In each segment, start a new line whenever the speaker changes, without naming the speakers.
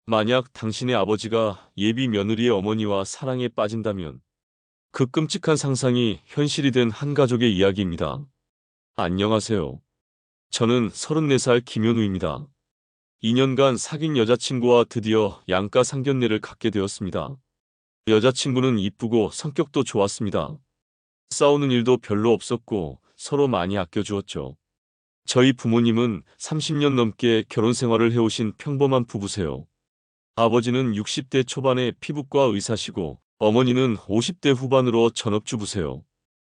만약 당신의 아버지가 예비 며느리의 어머니와 사랑에 빠진다면 그 끔찍한 상상이 현실이 된 한 가족의 이야기입니다. 안녕하세요. 저는 34살 김현우입니다. 2년간 사귄 여자친구와 드디어 양가 상견례를 갖게 되었습니다. 여자친구는 이쁘고 성격도 좋았습니다. 싸우는 일도 별로 없었고 서로 많이 아껴주었죠. 저희 부모님은 30년 넘게 결혼 생활을 해오신 평범한 부부세요. 아버지는 60대 초반의 피부과 의사시고 어머니는 50대 후반으로 전업주부세요.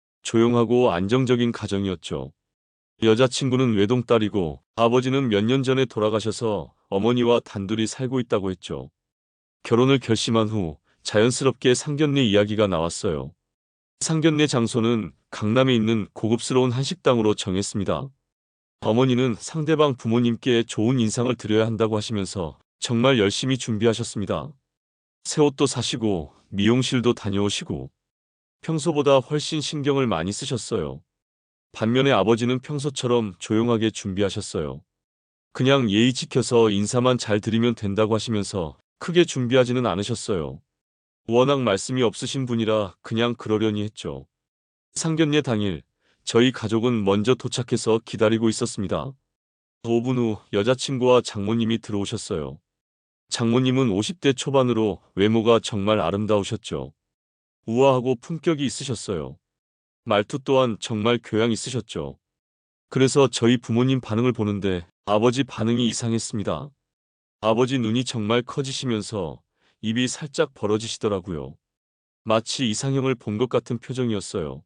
조용하고 안정적인 가정이었죠. 여자친구는 외동딸이고 아버지는 몇 년 전에 돌아가셔서 어머니와 단둘이 살고 있다고 했죠. 결혼을 결심한 후 자연스럽게 상견례 이야기가 나왔어요. 상견례 장소는 강남에 있는 고급스러운 한식당으로 정했습니다. 어머니는 상대방 부모님께 좋은 인상을 드려야 한다고 하시면서 정말 열심히 준비하셨습니다. 새 옷도 사시고 미용실도 다녀오시고 평소보다 훨씬 신경을 많이 쓰셨어요. 반면에 아버지는 평소처럼 조용하게 준비하셨어요. 그냥 예의 지켜서 인사만 잘 드리면 된다고 하시면서 크게 준비하지는 않으셨어요. 워낙 말씀이 없으신 분이라 그냥 그러려니 했죠. 상견례 당일 저희 가족은 먼저 도착해서 기다리고 있었습니다. 5분 후 여자친구와 장모님이 들어오셨어요. 장모님은 50대 초반으로 외모가 정말 아름다우셨죠. 우아하고 품격이 있으셨어요. 말투 또한 정말 교양 있으셨죠. 그래서 저희 부모님 반응을 보는데 아버지 반응이 이상했습니다. 아버지 눈이 정말 커지시면서 입이 살짝 벌어지시더라고요. 마치 이상형을 본 것 같은 표정이었어요.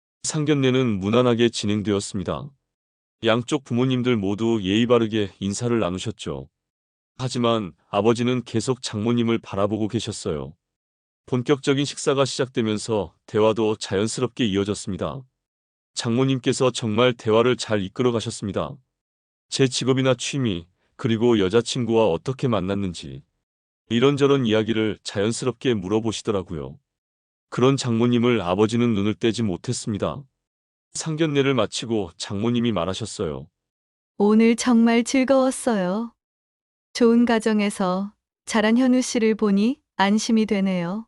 상견례는 무난하게 진행되었습니다. 양쪽 부모님들 모두 예의 바르게 인사를 나누셨죠. 하지만 아버지는 계속 장모님을 바라보고 계셨어요. 본격적인 식사가 시작되면서 대화도 자연스럽게 이어졌습니다. 장모님께서 정말 대화를 잘 이끌어 가셨습니다. 제 직업이나 취미, 그리고 여자친구와 어떻게 만났는지 이런저런 이야기를 자연스럽게 물어보시더라고요. 그런 장모님을 아버지는 눈을 떼지 못했습니다. 상견례를 마치고 장모님이 말하셨어요.
오늘 정말 즐거웠어요. 좋은 가정에서 자란 현우 씨를 보니 안심이 되네요.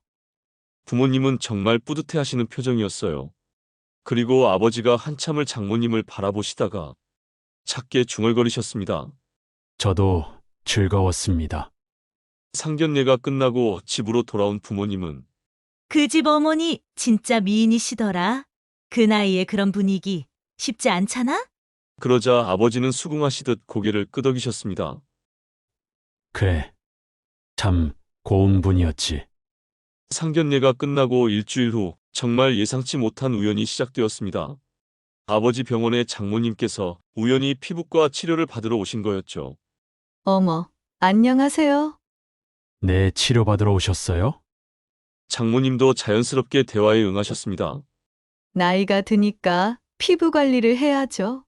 부모님은 정말 뿌듯해 하시는 표정이었어요. 그리고 아버지가 한참을 장모님을 바라보시다가 작게 중얼거리셨습니다.
저도 즐거웠습니다.
상견례가 끝나고 집으로 돌아온 부모님은
그 집 어머니 진짜 미인이시더라. 그 나이에 그런 분위기 쉽지 않잖아?
그러자 아버지는 수긍하시듯 고개를 끄덕이셨습니다.
그래, 참 고운 분이었지.
상견례가 끝나고 일주일 후 정말 예상치 못한 우연이 시작되었습니다. 아버지 병원에 장모님께서 우연히 피부과 치료를 받으러 오신 거였죠.
어머, 안녕하세요.
네, 치료받으러 오셨어요?
장모님도 자연스럽게 대화에 응하셨습니다.
나이가 드니까 피부 관리를 해야죠.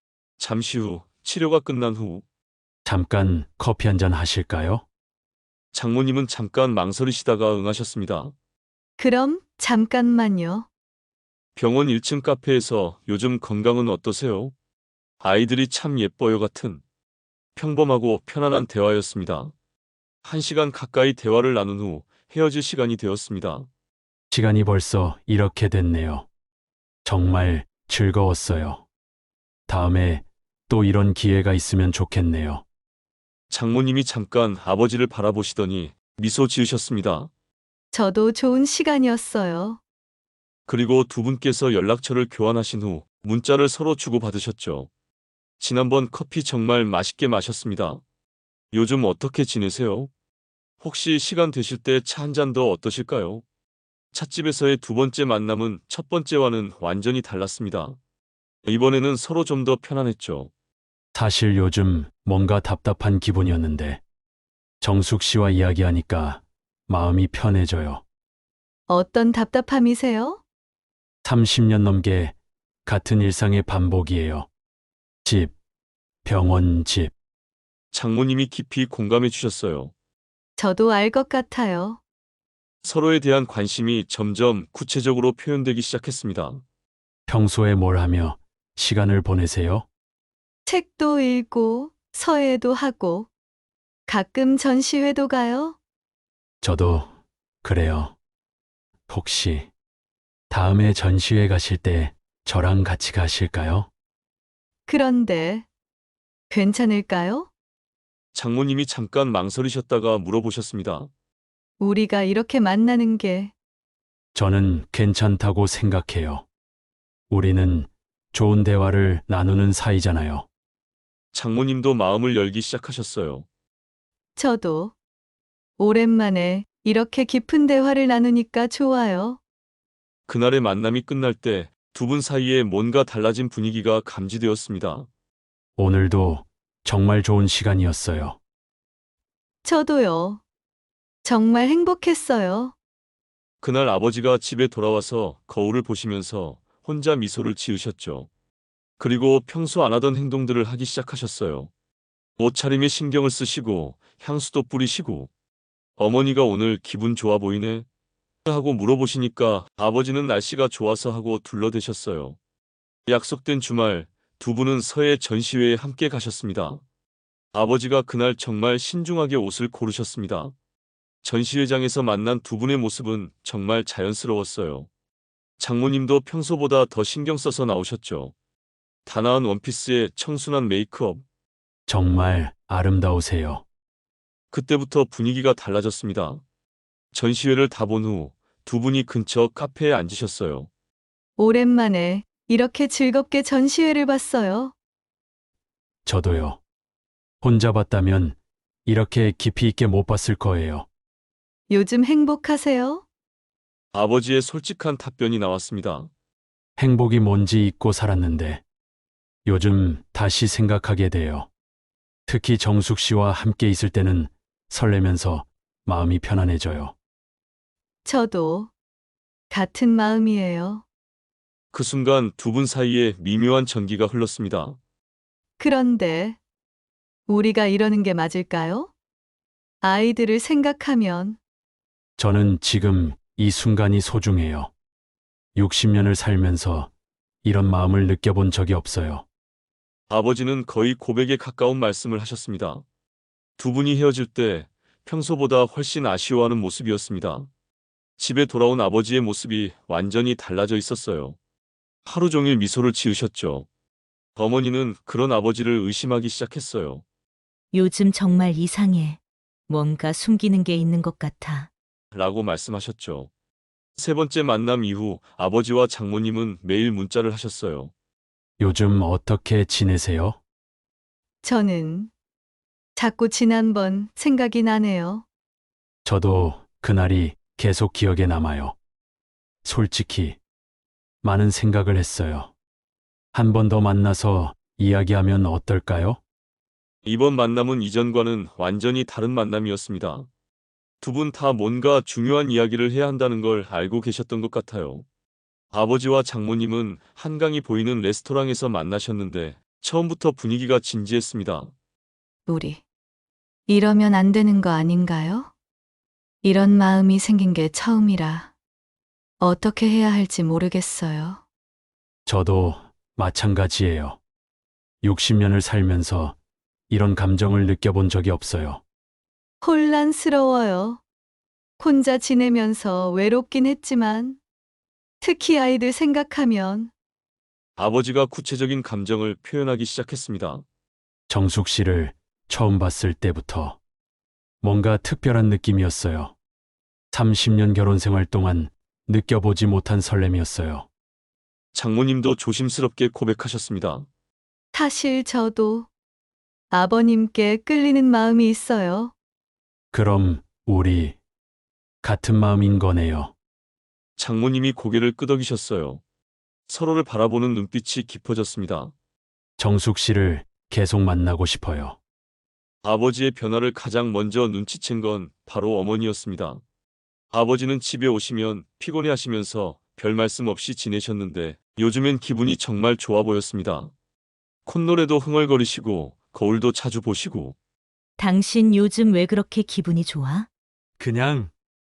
잠시 후 치료가 끝난 후
잠깐 커피 한 잔 하실까요?
장모님은 잠깐 망설이시다가 응하셨습니다.
그럼 잠깐만요.
병원 1층 카페에서 요즘 건강은 어떠세요? 아이들이 참 예뻐요 같은 평범하고 편안한 대화였습니다. 1시간 가까이 대화를 나눈 후 헤어질 시간이 되었습니다.
시간이 벌써 이렇게 됐네요. 정말 즐거웠어요. 다음에 또 이런 기회가 있으면 좋겠네요.
장모님이 잠깐 아버지를 바라보시더니 미소 지으셨습니다.
저도 좋은 시간이었어요.
그리고 두 분께서 연락처를 교환하신 후 문자를 서로 주고받으셨죠. 지난번 커피 정말 맛있게 마셨습니다. 요즘 어떻게 지내세요? 혹시 시간 되실 때 차 한 잔 더 어떠실까요? 찻집에서의 두 번째 만남은 첫 번째와는 완전히 달랐습니다. 이번에는 서로 좀 더 편안했죠.
사실 요즘 뭔가 답답한 기분이었는데 정숙 씨와 이야기하니까 마음이 편해져요.
어떤 답답함이세요?
30년 넘게 같은 일상의 반복이에요. 집, 병원, 집.
장모님이 깊이 공감해 주셨어요.
저도 알 것 같아요.
서로에 대한 관심이 점점 구체적으로 표현되기 시작했습니다.
평소에 뭘 하며 시간을 보내세요?
책도 읽고 서예도 하고 가끔 전시회도 가요?
저도 그래요. 혹시 다음에 전시회 가실 때 저랑 같이 가실까요?
그런데 괜찮을까요?
장모님이 잠깐 망설이셨다가 물어보셨습니다.
우리가 이렇게 만나는 게
저는 괜찮다고 생각해요. 우리는 좋은 대화를 나누는 사이잖아요.
장모님도 마음을 열기 시작하셨어요.
저도 오랜만에 이렇게 깊은 대화를 나누니까 좋아요.
그날의 만남이 끝날 때 두 분 사이에 뭔가 달라진 분위기가 감지되었습니다.
오늘도 정말 좋은 시간이었어요.
저도요. 정말 행복했어요.
그날 아버지가 집에 돌아와서 거울을 보시면서 혼자 미소를 지으셨죠. 그리고 평소 안 하던 행동들을 하기 시작하셨어요. 옷차림에 신경을 쓰시고 향수도 뿌리시고 어머니가 오늘 기분 좋아 보이네 하고 물어보시니까 아버지는 날씨가 좋아서 하고 둘러대셨어요. 약속된 주말 두 분은 서해 전시회에 함께 가셨습니다. 아버지가 그날 정말 신중하게 옷을 고르셨습니다. 전시회장에서 만난 두 분의 모습은 정말 자연스러웠어요. 장모님도 평소보다 더 신경 써서 나오셨죠. 단아한 원피스에 청순한 메이크업.
정말 아름다우세요.
그때부터 분위기가 달라졌습니다. 전시회를 다 본 후 두 분이 근처 카페에 앉으셨어요.
오랜만에 이렇게 즐겁게 전시회를 봤어요.
저도요. 혼자 봤다면 이렇게 깊이 있게 못 봤을 거예요.
요즘 행복하세요?
아버지의 솔직한 답변이 나왔습니다.
행복이 뭔지 잊고 살았는데 요즘 다시 생각하게 돼요. 특히 정숙 씨와 함께 있을 때는 설레면서 마음이 편안해져요.
저도 같은 마음이에요.
그 순간 두 분 사이에 미묘한 전기가 흘렀습니다.
그런데 우리가 이러는 게 맞을까요? 아이들을 생각하면
저는 지금 이 순간이 소중해요. 60년을 살면서 이런 마음을 느껴본 적이 없어요.
아버지는 거의 고백에 가까운 말씀을 하셨습니다. 두 분이 헤어질 때 평소보다 훨씬 아쉬워하는 모습이었습니다. 집에 돌아온 아버지의 모습이 완전히 달라져 있었어요. 하루 종일 미소를 지으셨죠. 어머니는 그런 아버지를 의심하기 시작했어요.
요즘 정말 이상해. 뭔가 숨기는 게 있는 것 같아.
라고 말씀하셨죠. 세 번째 만남 이후 아버지와 장모님은 매일 문자를 하셨어요.
요즘 어떻게 지내세요?
저는 자꾸 지난번 생각이 나네요.
저도 그날이 계속 기억에 남아요. 솔직히 많은 생각을 했어요. 한 번 더 만나서 이야기하면 어떨까요?
이번 만남은 이전과는 완전히 다른 만남이었습니다. 두 분 다 뭔가 중요한 이야기를 해야 한다는 걸 알고 계셨던 것 같아요. 아버지와 장모님은 한강이 보이는 레스토랑에서 만나셨는데 처음부터 분위기가 진지했습니다.
우리 이러면 안 되는 거 아닌가요? 이런 마음이 생긴 게 처음이라 어떻게 해야 할지 모르겠어요.
저도 마찬가지예요. 60년을 살면서 이런 감정을 느껴본 적이 없어요.
혼란스러워요. 혼자 지내면서 외롭긴 했지만 특히 아이들 생각하면
아버지가 구체적인 감정을 표현하기 시작했습니다.
정숙 씨를 처음 봤을 때부터 뭔가 특별한 느낌이었어요. 30년 결혼 생활 동안 느껴보지 못한 설렘이었어요.
장모님도 조심스럽게 고백하셨습니다.
사실 저도 아버님께 끌리는 마음이 있어요.
그럼 우리 같은 마음인 거네요.
장모님이 고개를 끄덕이셨어요. 서로를 바라보는 눈빛이 깊어졌습니다.
정숙 씨를 계속 만나고 싶어요.
아버지의 변화를 가장 먼저 눈치챈 건 바로 어머니였습니다. 아버지는 집에 오시면 피곤해 하시면서 별 말씀 없이 지내셨는데 요즘엔 기분이 정말 좋아 보였습니다. 콧노래도 흥얼거리시고 거울도 자주 보시고
당신 요즘 왜 그렇게 기분이 좋아?
그냥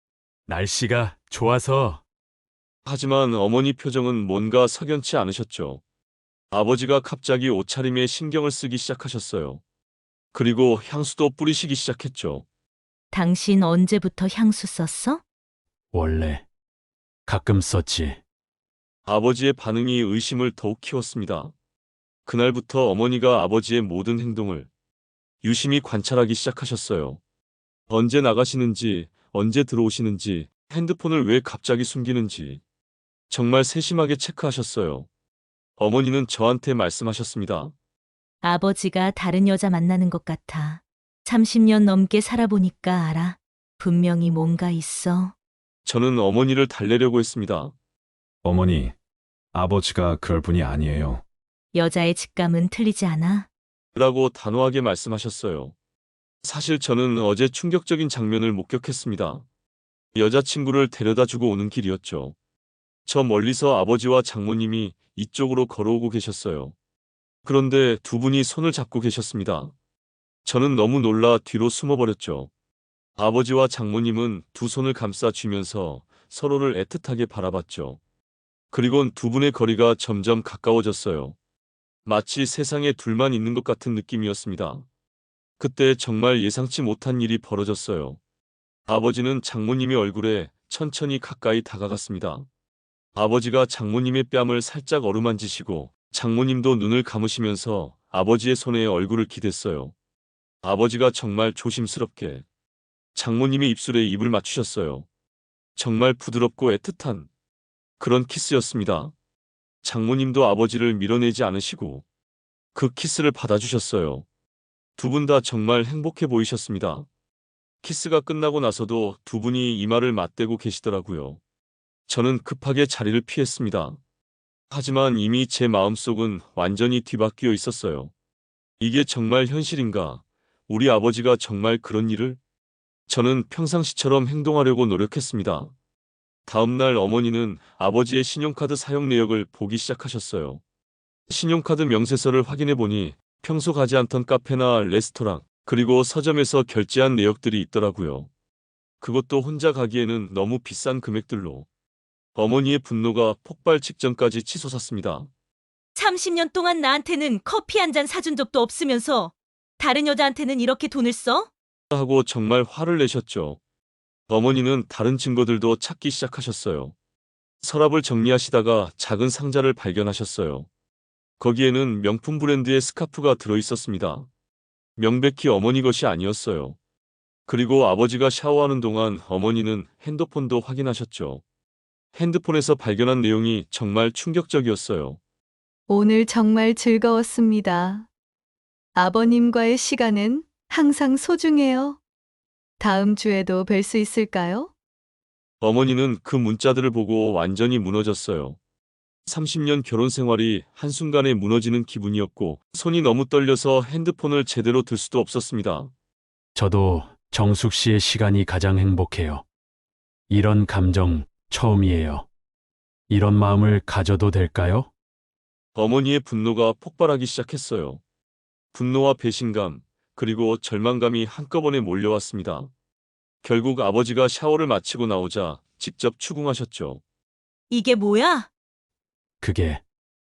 날씨가 좋아서.
하지만 어머니 표정은 뭔가 석연치 않으셨죠. 아버지가 갑자기 옷차림에 신경을 쓰기 시작하셨어요. 그리고 향수도 뿌리시기 시작했죠.
당신 언제부터 향수 썼어?
원래 가끔 썼지.
아버지의 반응이 의심을 더욱 키웠습니다. 그날부터 어머니가 아버지의 모든 행동을 유심히 관찰하기 시작하셨어요. 언제 나가시는지, 언제 들어오시는지, 핸드폰을 왜 갑자기 숨기는지 정말 세심하게 체크하셨어요. 어머니는 저한테 말씀하셨습니다.
아버지가 다른 여자 만나는 것 같아. 30년 넘게 살아보니까 알아. 분명히 뭔가 있어.
저는 어머니를 달래려고 했습니다.
어머니, 아버지가 그럴 분이 아니에요.
여자의 직감은 틀리지 않아.
라고 단호하게 말씀하셨어요. 사실 저는 어제 충격적인 장면을 목격했습니다. 여자친구를 데려다 주고 오는 길이었죠. 저 멀리서 아버지와 장모님이 이쪽으로 걸어오고 계셨어요. 그런데 두 분이 손을 잡고 계셨습니다. 저는 너무 놀라 뒤로 숨어버렸죠. 아버지와 장모님은 두 손을 감싸 쥐면서 서로를 애틋하게 바라봤죠. 그리곤 두 분의 거리가 점점 가까워졌어요. 마치 세상에 둘만 있는 것 같은 느낌이었습니다. 그때 정말 예상치 못한 일이 벌어졌어요. 아버지는 장모님의 얼굴에 천천히 가까이 다가갔습니다. 아버지가 장모님의 뺨을 살짝 어루만지시고 장모님도 눈을 감으시면서 아버지의 손에 얼굴을 기댔어요. 아버지가 정말 조심스럽게 장모님의 입술에 입을 맞추셨어요. 정말 부드럽고 애틋한 그런 키스였습니다. 장모님도 아버지를 밀어내지 않으시고 그 키스를 받아주셨어요. 두 분 다 정말 행복해 보이셨습니다. 키스가 끝나고 나서도 두 분이 이마를 맞대고 계시더라고요. 저는 급하게 자리를 피했습니다. 하지만 이미 제 마음속은 완전히 뒤바뀌어 있었어요. 이게 정말 현실인가? 우리 아버지가 정말 그런 일을? 저는 평상시처럼 행동하려고 노력했습니다. 다음날 어머니는 아버지의 신용카드 사용 내역을 보기 시작하셨어요. 신용카드 명세서를 확인해 보니 평소 가지 않던 카페나 레스토랑, 그리고 서점에서 결제한 내역들이 있더라고요. 그것도 혼자 가기에는 너무 비싼 금액들로. 어머니의 분노가 폭발 직전까지 치솟았습니다.
30년 동안 나한테는 커피 한 잔 사준 적도 없으면서 다른 여자한테는 이렇게 돈을 써?
하고 정말 화를 내셨죠. 어머니는 다른 증거들도 찾기 시작하셨어요. 서랍을 정리하시다가 작은 상자를 발견하셨어요. 거기에는 명품 브랜드의 스카프가 들어있었습니다. 명백히 어머니 것이 아니었어요. 그리고 아버지가 샤워하는 동안 어머니는 핸드폰도 확인하셨죠. 핸드폰에서 발견한 내용이 정말 충격적이었어요.
오늘 정말 즐거웠습니다. 아버님과의 시간은 항상 소중해요. 다음 주에도 뵐 수 있을까요?
어머니는 그 문자들을 보고 완전히 무너졌어요. 30년 결혼 생활이 한순간에 무너지는 기분이었고 손이 너무 떨려서 핸드폰을 제대로 들 수도 없었습니다.
저도 정숙 씨의 시간이 가장 행복해요. 이런 감정 처음이에요. 이런 마음을 가져도 될까요?
어머니의 분노가 폭발하기 시작했어요. 분노와 배신감, 그리고 절망감이 한꺼번에 몰려왔습니다. 결국 아버지가 샤워를 마치고 나오자 직접 추궁하셨죠.
이게 뭐야?
그게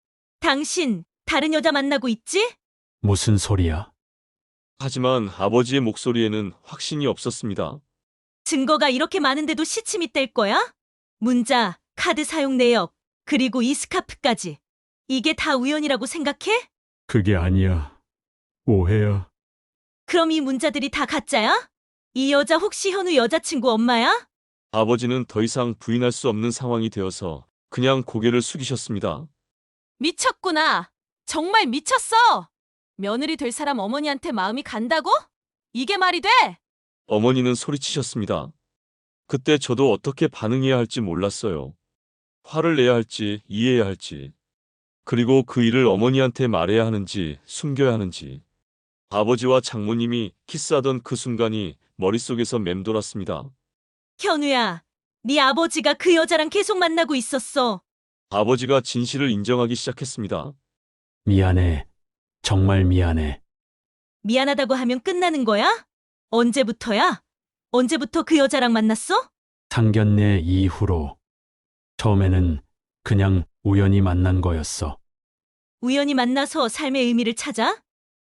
당신 다른 여자 만나고 있지?
무슨 소리야?
하지만 아버지의 목소리에는 확신이 없었습니다.
증거가 이렇게 많은데도 시침이 뗄 거야? 문자, 카드 사용 내역, 그리고 이 스카프까지. 이게 다 우연이라고 생각해?
그게 아니야. 오해야.
그럼 이 문자들이 다 가짜야? 이 여자 혹시 현우 여자친구 엄마야?
아버지는 더 이상 부인할 수 없는 상황이 되어서 그냥 고개를 숙이셨습니다.
미쳤구나. 정말 미쳤어. 며느리 될 사람 어머니한테 마음이 간다고? 이게 말이 돼?
어머니는 소리치셨습니다. 그때 저도 어떻게 반응해야 할지 몰랐어요. 화를 내야 할지 이해해야 할지. 그리고 그 일을 어머니한테 말해야 하는지 숨겨야 하는지. 아버지와 장모님이 키스하던 그 순간이 머릿속에서 맴돌았습니다.
현우야, 네 아버지가 그 여자랑 계속 만나고 있었어.
아버지가 진실을 인정하기 시작했습니다.
미안해. 정말 미안해.
미안하다고 하면 끝나는 거야? 언제부터야? 언제부터 그 여자랑 만났어?
상견례 이후로. 처음에는 그냥 우연히 만난 거였어.
우연히 만나서 삶의 의미를 찾아?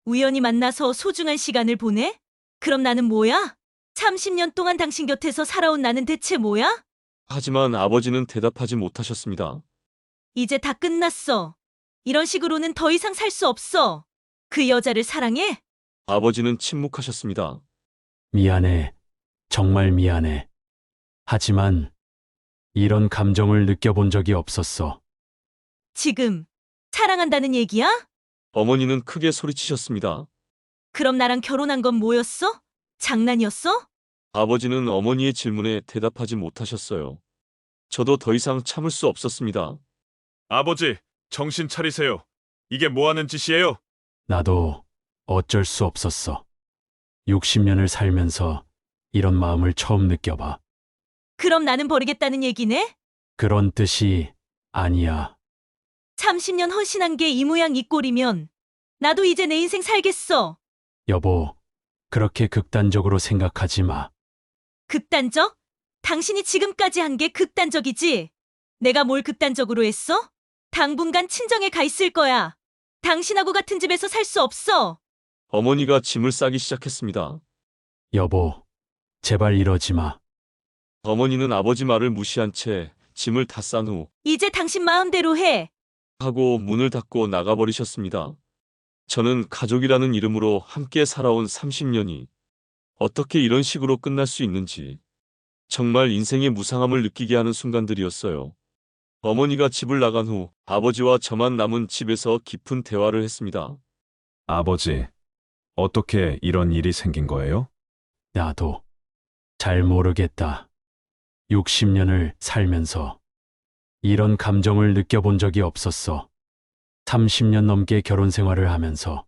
우연히 만나서 소중한 시간을 보내? 그럼 나는 뭐야? 30년 동안 당신 곁에서 살아온 나는 대체 뭐야?
하지만 아버지는 대답하지 못하셨습니다.
이제 다 끝났어. 이런 식으로는 더 이상 살 수 없어. 그 여자를 사랑해?
아버지는 침묵하셨습니다.
미안해. 정말 미안해. 하지만 이런 감정을 느껴본 적이 없었어.
지금 사랑한다는 얘기야?
어머니는 크게 소리치셨습니다.
그럼 나랑 결혼한 건 뭐였어? 장난이었어?
아버지는 어머니의 질문에 대답하지 못하셨어요. 저도 더 이상 참을 수 없었습니다.
아버지, 정신 차리세요. 이게 뭐 하는 짓이에요?
나도 어쩔 수 없었어. 60년을 살면서 이런 마음을 처음 느껴봐.
그럼 나는 버리겠다는 얘기네?
그런 뜻이 아니야.
30년 헌신한 게 이 모양 이 꼴이면 나도 이제 내 인생 살겠어.
여보, 그렇게 극단적으로 생각하지 마.
극단적? 당신이 지금까지 한 게 극단적이지? 내가 뭘 극단적으로 했어? 당분간 친정에 가 있을 거야. 당신하고 같은 집에서 살 수 없어.
어머니가 짐을 싸기 시작했습니다.
여보, 제발 이러지 마.
어머니는 아버지 말을 무시한 채 짐을 다 싼 후
이제 당신 마음대로 해.
하고 문을 닫고 나가버리셨습니다. 저는 가족이라는 이름으로 함께 살아온 30년이 어떻게 이런 식으로 끝날 수 있는지 정말 인생의 무상함을 느끼게 하는 순간들이었어요. 어머니가 집을 나간 후 아버지와 저만 남은 집에서 깊은 대화를 했습니다.
아버지, 어떻게 이런 일이 생긴 거예요?
나도 잘 모르겠다. 60년을 살면서 이런 감정을 느껴본 적이 없었어. 30년 넘게 결혼 생활을 하면서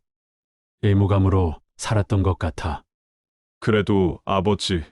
의무감으로 살았던 것 같아.
그래도 아버지,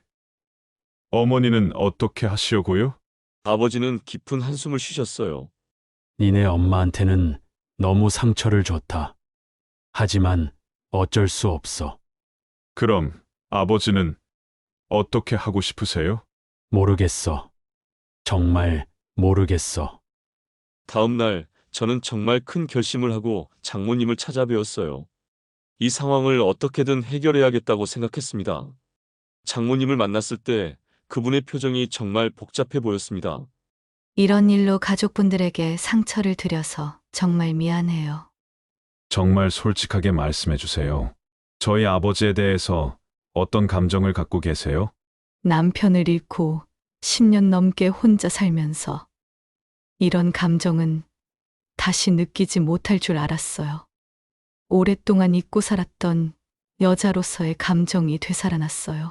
어머니는 어떻게 하시려고요?
아버지는 깊은 한숨을 쉬셨어요.
니네 엄마한테는 너무 상처를 줬다. 하지만 어쩔 수 없어.
그럼 아버지는 어떻게 하고 싶으세요?
모르겠어. 정말 모르겠어.
다음 날 저는 정말 큰 결심을 하고 장모님을 찾아뵈었어요. 이 상황을 어떻게든 해결해야겠다고 생각했습니다. 장모님을 만났을 때 그분의 표정이 정말 복잡해 보였습니다.
이런 일로 가족분들에게 상처를 드려서 정말 미안해요.
정말 솔직하게 말씀해 주세요. 저희 아버지에 대해서 어떤 감정을 갖고 계세요?
남편을 잃고 10년 넘게 혼자 살면서 이런 감정은 다시 느끼지 못할 줄 알았어요. 오랫동안 잊고 살았던 여자로서의 감정이 되살아났어요.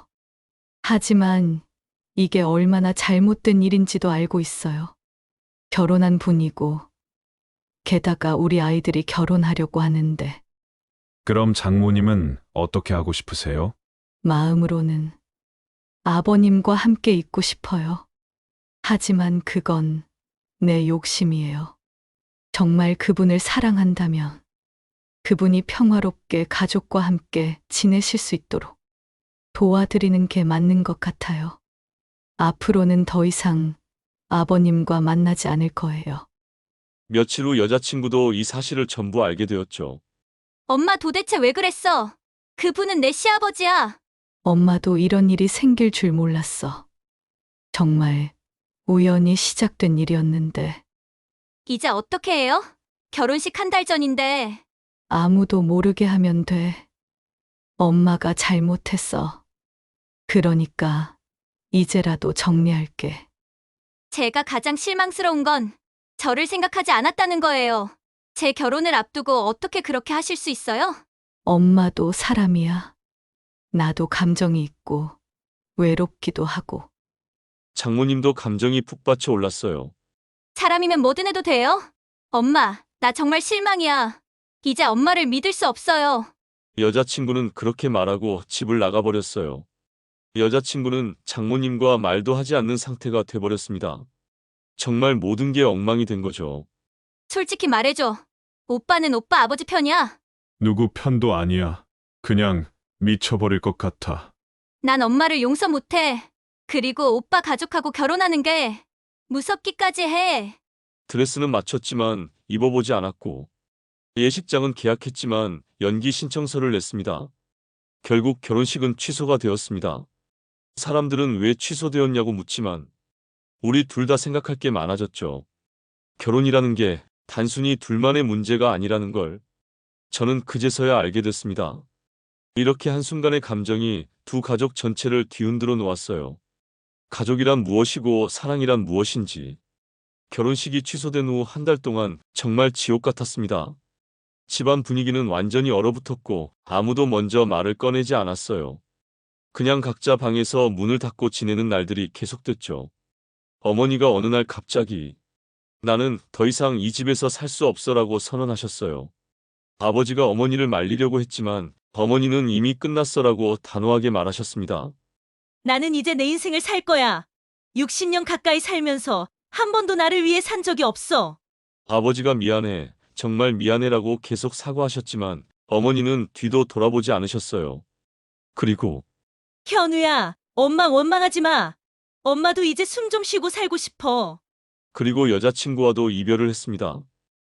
하지만 이게 얼마나 잘못된 일인지도 알고 있어요. 결혼한 분이고, 게다가 우리 아이들이 결혼하려고 하는데,
그럼 장모님은 어떻게 하고 싶으세요?
마음으로는 아버님과 함께 있고 싶어요. 하지만 그건 내 욕심이에요. 정말 그분을 사랑한다면 그분이 평화롭게 가족과 함께 지내실 수 있도록 도와드리는 게 맞는 것 같아요. 앞으로는 더 이상 아버님과 만나지 않을 거예요.
며칠 후 여자친구도 이 사실을 전부 알게 되었죠.
엄마 도대체 왜 그랬어? 그분은 내 시아버지야.
엄마도 이런 일이 생길 줄 몰랐어. 정말 우연히 시작된 일이었는데
이제 어떻게 해요? 결혼식 한 달 전인데.
아무도 모르게 하면 돼. 엄마가 잘못했어. 그러니까 이제라도 정리할게.
제가 가장 실망스러운 건 저를 생각하지 않았다는 거예요. 제 결혼을 앞두고 어떻게 그렇게 하실 수 있어요?
엄마도 사람이야. 나도 감정이 있고 외롭기도 하고.
장모님도 감정이 푹받쳐 올랐어요.
사람이면 뭐든 해도 돼요? 엄마, 나 정말 실망이야. 이제 엄마를 믿을 수 없어요.
여자친구는 그렇게 말하고 집을 나가버렸어요. 여자친구는 장모님과 말도 하지 않는 상태가 돼버렸습니다. 정말 모든 게 엉망이 된 거죠.
솔직히 말해줘. 오빠는 오빠 아버지 편이야.
누구 편도 아니야. 그냥 미쳐버릴 것 같아.
난 엄마를 용서 못해. 그리고 오빠 가족하고 결혼하는 게 무섭기까지 해.
드레스는 맞췄지만 입어보지 않았고 예식장은 계약했지만 연기 신청서를 냈습니다. 결국 결혼식은 취소가 되었습니다. 사람들은 왜 취소되었냐고 묻지만 우리 둘 다 생각할 게 많아졌죠. 결혼이라는 게 단순히 둘만의 문제가 아니라는 걸 저는 그제서야 알게 됐습니다. 이렇게 한순간의 감정이 두 가족 전체를 뒤흔들어 놓았어요. 가족이란 무엇이고 사랑이란 무엇인지. 결혼식이 취소된 후 한 달 동안 정말 지옥 같았습니다. 집안 분위기는 완전히 얼어붙었고 아무도 먼저 말을 꺼내지 않았어요. 그냥 각자 방에서 문을 닫고 지내는 날들이 계속됐죠. 어머니가 어느 날 갑자기 나는 더 이상 이 집에서 살 수 없어라고 선언하셨어요. 아버지가 어머니를 말리려고 했지만 어머니는 이미 끝났어라고 단호하게 말하셨습니다.
나는 이제 내 인생을 살 거야. 60년 가까이 살면서 한 번도 나를 위해 산 적이 없어.
아버지가 미안해, 정말 미안해라고 계속 사과하셨지만 어머니는 뒤도 돌아보지 않으셨어요. 그리고
현우야, 엄마 원망하지 마. 엄마도 이제 숨 좀 쉬고 살고 싶어.
여자친구와도 이별을 했습니다.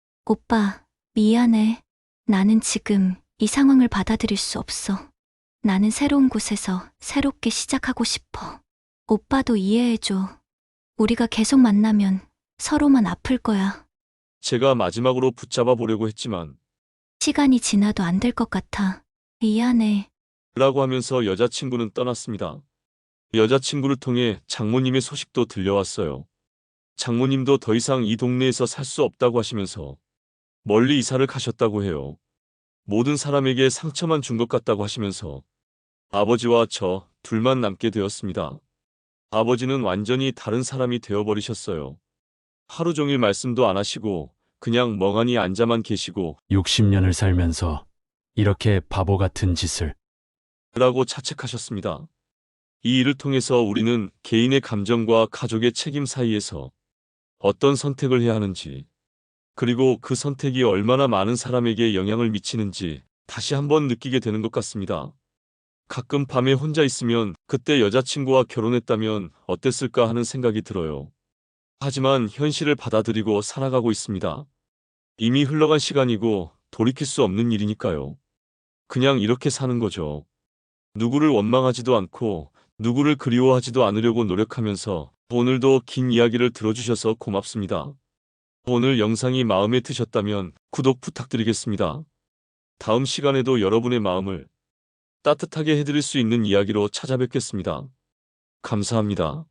오빠, 미안해. 나는 지금 이 상황을 받아들일 수 없어. 나는 새로운 곳에서 새롭게 시작하고 싶어. 오빠도 이해해줘. 우리가 계속 만나면 서로만 아플 거야.
제가 마지막으로 붙잡아 보려고 했지만
시간이 지나도 안 될 것 같아. 미안해.
라고 하면서 여자친구는 떠났습니다. 여자친구를 통해 장모님의 소식도 들려왔어요. 장모님도 더 이상 이 동네에서 살 수 없다고 하시면서 멀리 이사를 가셨다고 해요. 모든 사람에게 상처만 준 것 같다고 하시면서 아버지와 저 둘만 남게 되었습니다. 아버지는 완전히 다른 사람이 되어버리셨어요. 하루 종일 말씀도 안 하시고 그냥 멍하니 앉아만 계시고
60년을 살면서 이렇게 바보 같은 짓을.
라고 자책하셨습니다. 이 일을 통해서 우리는 개인의 감정과 가족의 책임 사이에서 어떤 선택을 해야 하는지, 그리고 그 선택이 얼마나 많은 사람에게 영향을 미치는지 다시 한번 느끼게 되는 것 같습니다. 가끔 밤에 혼자 있으면 그때 여자친구와 결혼했다면 어땠을까 하는 생각이 들어요. 하지만 현실을 받아들이고 살아가고 있습니다. 이미 흘러간 시간이고 돌이킬 수 없는 일이니까요. 그냥 이렇게 사는 거죠. 누구를 원망하지도 않고 누구를 그리워하지도 않으려고 노력하면서 오늘도 긴 이야기를 들어주셔서 고맙습니다. 오늘 영상이 마음에 드셨다면 구독 부탁드리겠습니다. 다음 시간에도 여러분의 마음을 따뜻하게 해드릴 수 있는 이야기로 찾아뵙겠습니다. 감사합니다.